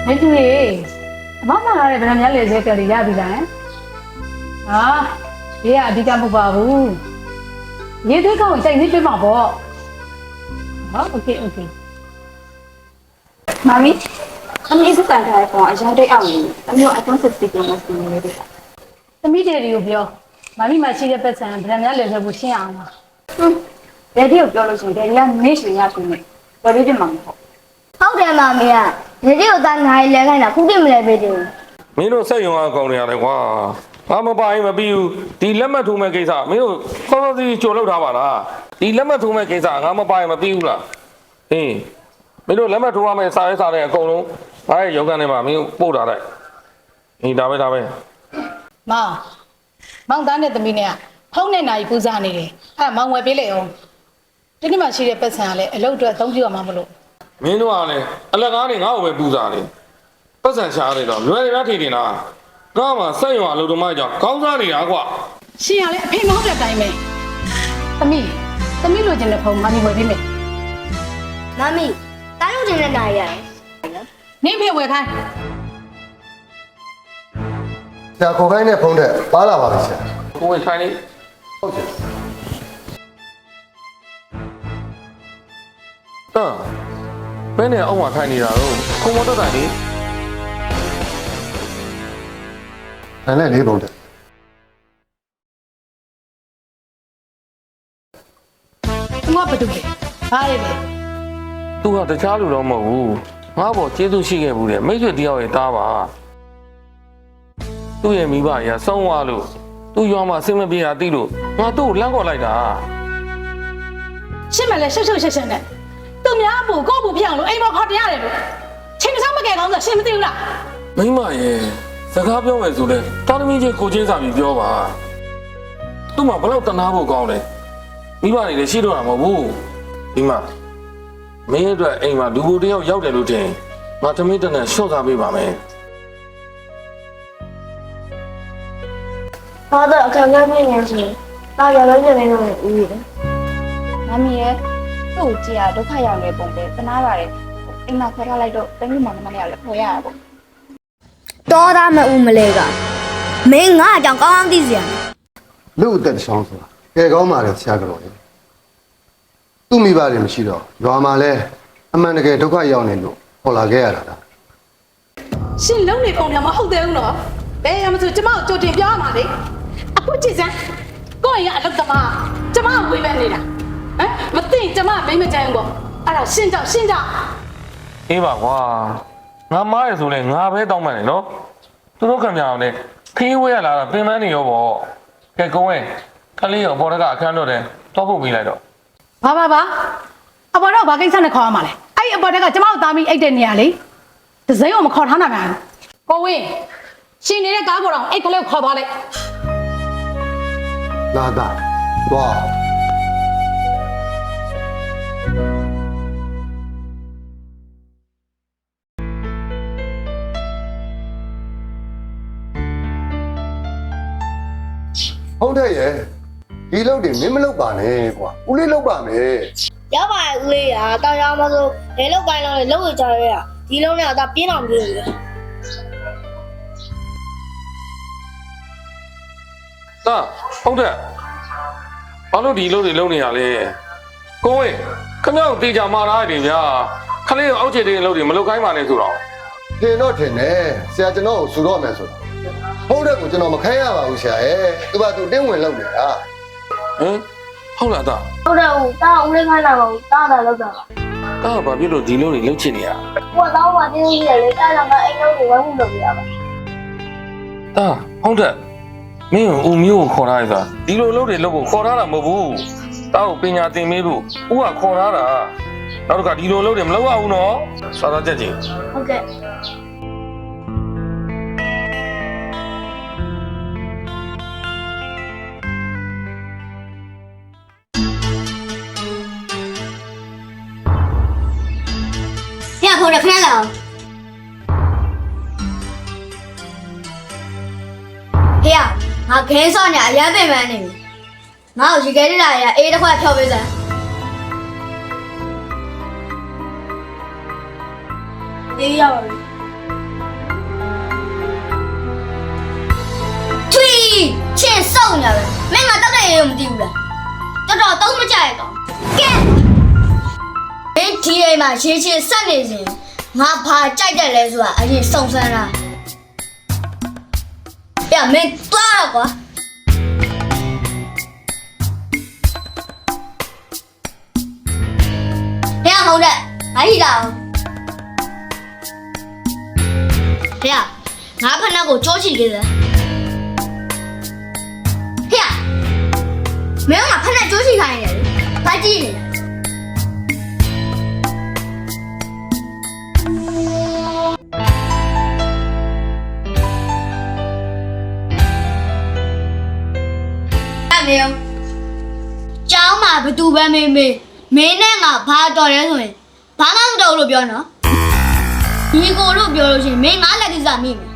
没注意，妈妈那里不是人家那些叫你家的人，啊，你呀，你家不包袱，你对讲在你对方不？好，OK。 妈咪，他们一直在台风，而且还得熬夜，他们用 iPhone 16 Pro Max 用的。 那没得有标，妈咪买起的本身，不是人家那些不行啊。 这里有标了，现在人家没学下去呢，我这就忙好。 ဟုတ်တယ်မမေကဒီလိုသားနိုင်လဲခိုင်းတာခုတိမလဲပေးတယ်မင်းတို့စက်ရုံအကောင်တွေရတယ်ကွာငါမပိုင်မပြီးဘူးဒီလက်မှတ်ထိုးမဲ့ကိစ္စမင်းတို့ခေါင်းစီကြိုလောက်ထားပါလားဒီလက်မှတ်ထိုးမဲ့ကိစ္စငါမပိုင်မပြီးဘူးလားဟင်းမင်းတို့လက်မှတ်ထိုးရမယ့်စာရေးစာတွေအကုန်လုံးငါရဲ့ရုံးခန်းထဲမှာမင်းတို့ပို့ထားလိုက်ဟင်းဒါပဲမောင်သားနဲ့သမီးနဲ့ဖုန်းနဲ့နိုင်ပူဇာနေတယ်အဲ့မောင်ဝယ်ပေးလိုက်အောင်ဒီနေ့မှရှိတဲ့ပတ်စံကလည်းအလုပ်အတွက်အသုံးပြုရမှာမလို့မင်းတို့ကလည်းအလက်ကားတွေငါ့ကိုပဲပူစားတယ်ပတ်စံရှားနေတော့လွယ်ရထီတင်လားငါမှစက်ရုံအလုပ်သမားကြောင့်ခေါင်းစားနေတာကွာရှင်ရလေအဖေမဟုတ်တဲ့အတိုင်းပဲသမီးလိုချင်တဲ့ဖုန်းမမီဝယ်ပေးမယ်မမီတားလို့တင်တဲ့နိုင်ရတယ်နင်းဖေဝယ်ခိုင်းဆရာခေါ်ခိုင်းတဲ့ဖုန်းထက်ပါလာပါပြီဆရာကိုဝင်ထိုင်နေဟုတ်ကဲ့ဘယ်နဲ့အောက်မှာထိုင်နေတာတော့ခုံမတက်တိုင်လေနိုင်လိုက်လေးဖုန်းထက်သူကဘာလုပ်လဲဘာလဲလဲသူကတခြားလူတော့မဟုတ်ဘူးငါ့ဘောကျေးဇူးရှိခဲ့ဘူးတဲ့မိတ်ဆွေတယောက်ရဲ့တားပါသူ့ရဲ့မိဘကြီးကဆုံးသွားလို့သူ့ရွာမှာအဆင်မပြေတာသိလို့ငါသူ့ကိုလမ်းခေါ်လိုက်တာရှင်းမလဲရှုပ်ရှက်နဲ့သူများအပူကိုယ့်အပူပြအောင်လို့အိမ်မခေါ်တရားတယ်လို့ချင်းတစ်ချောင်းမကဲကောင်းဆိုရှင်းမသိဘူးလားမိမရဲ့စကားပြောမယ်ဆိုလဲတာသမီးချင်းကိုချင်းစာပြီးပြောပါသူ့မှာဘယ်တော့တနာဖို့ကောင်းလဲမိဘတွေလည်းရှိတော့တာမဟုတ်ဘူးဒီမှာမင်းအတွက်အိမ်မှာလူကိုတယောက်ရောက်တယ်လို့ထင်ငါသမီးတနက်ရှော့စားပေးပါမယ်ဘာတော့အခက်အခဲဖြစ်နေစီတားရလို့နေနေတော့ဦးရတယ်မမီရဲ့သူ့ကိုကြည့်ရဒုက္ခရောက်နေပုံပဲတနာပါတယ်အိမ်မှာခေါ်ထားလိုက်တော့တမီးမောင်နှမနဲ့လည်းခေါ်ရတာပေါ့တော်သားမဦးမလဲကမင်းငါအကြောင်းကောင်းကောင်းသိစရာလူအသက်တစ်ချောင်းဆိုတာကဲကောင်းပါလေဆရာကတော့လေသူ့မိဘတွေမရှိတော့ရွာမှာလဲအမှန်တကယ်ဒုက္ခရောက်နေလို့ပေါ်လာခဲ့ရတာလားရှင်လုံးနေပုံများမဟုတ်သေးဘူးနော်ဘယ်ရမဆိုကျမကိုကြိုတင်ပြောရမှာလေအခုကြည့်စမ်းကိုယ့်ရဲ့အလုပ်သမားကျမကိုဝေးပဲနေတာဟမ်မသိကျမမိမကြိုင်ဘူးပေါ့အဲ့ဒါရှင်းကြောက်အေးပါကွာငါမားရဆိုလဲငါပဲတောင်းမှန်တယ်နော်သူတို့ခင်ဗျာအောင်လေခီးဝဲရလာတာပင်ပန်းနေရောပေါ့ကဲကုန်းရဲ့ခလေးရောပေါ်တကအခန်းတော့တယ်တော့ဖို့ပြီးလိုက်တော့ဘာအပေါ်တော့ဘာကိစ္စနဲ့ခေါ်ရမှာလဲအဲ့ဒီအပေါ်တက်ကကျမတို့သားမိအိတ်တဲ့နေရာလေဒဇိန်းကိုမခေါ်ထားနိုင်ဘူးကိုဝင်းရှင်နေတဲ့ကားပေါ်တော့အိတ်ကလေးကိုခေါ်သွားလိုက်လာတာသွားဟုတ်တယ်ရဲ့ဒီလုပ်တွေမင်းမလုပ်ပါနဲ့ကွာဦးလေးလုပ်ပါမယ်ရောက်ပါရဲ့ဦးလေးကတောင်းရမဆိုလေလောက်ကိုင်းလုံးလေလောက်ဝကြရရဒီလုံးနဲ့တော့ပြင်းအောင်ပြင်းနေတယ်တာဟုတ်တယ်ဘာလို့ဒီလုပ်တွေလုပ်နေရလဲကိုဝင်းခင်ဗျားကိုတေချာမာထားရတယ်ဗျာခလေးကိုအောက်ခြေတွေလုပ်တွေမလုပ်ခိုင်းပါနဲ့ဆိုတော့ထင်တော့ထင်တယ်ဆရာကျွန်တော်ကိုဆူတော့မယ်ဆိုတာဟုတ်တဲ့ကိုကျွန်တော်မခိုင်းရပါဘူးဆရာရဲ့သူကသူတင်းဝင်လုပ်နေတာဟမ်ဟုတ်လားတာဟုတ်တယ်ဦးတာဦးလေးခိုင်းတာကိုတာတာလောက်တာပါတာဘာဖြစ်လို့ဒီလုပ်တွေလုပ်ချင်နေရကိုတော့မသိသေးတယ်လေတာတော့ကအိမ်လုံးကိုဝဲမှုလုပ်ပြရပါတာဟုတ်တယ်မင်းကိုဦးမျိုးကိုခေါ်ထားရဆိုတာဒီလိုလုပ်တွေလုပ်ဖို့ခေါ်ထားတာမဟုတ်ဘူးတာကိုပညာသင်ပေးဖို့ဦးကခေါ်ထားတာနောက်တစ်ခါဒီလိုလုပ်တွေမလုပ်ရဘူးနော်စာသားချက်ချင်းဟုတ်ကဲ့ ရဖို့ရခဏလောက်ဟေ့ငါခဲစောညာအရန်ပင်ပန်းနေပြီငါ့ကိုရေခဲရတာရအေးတစ်ခွက်ဖြောပေးစမ်းအေးရပါပြီချင်းစောက်ညာပဲမင်းငါတောက်တဲ့ရေကိုမသိဘူးလားတော်တော့မကြရကောင်ကဲမင်းဒီအိမ်မှာရှင်းရှင်းဆက်နေစဉ်ငါဘာကြိုက်တယ်လဲဆိုတာအရင်စုံစမ်းလားပြမင်းသွားတော့ကွာဟဲ့ဟုတ်တယ်အားဟိလာဟဲ့ငါဖက်နှက်ကိုကြောချီခဲ့တယ်ဟဲ့မင်းကဖက်နှက်ကြောချီခိုင်းနေတယ်ဘာကြည့်နေမင်းကျောင်းမှာဘသူပဲမင်းနဲ့ငါဘာတော်ရဲဆိုရင်ဘာမှမတော်လို့ပြောနော်ဒီကိုလို့ပြောလို့ရှိရင်မင်းငါလက်ကိစ္စမိမယ်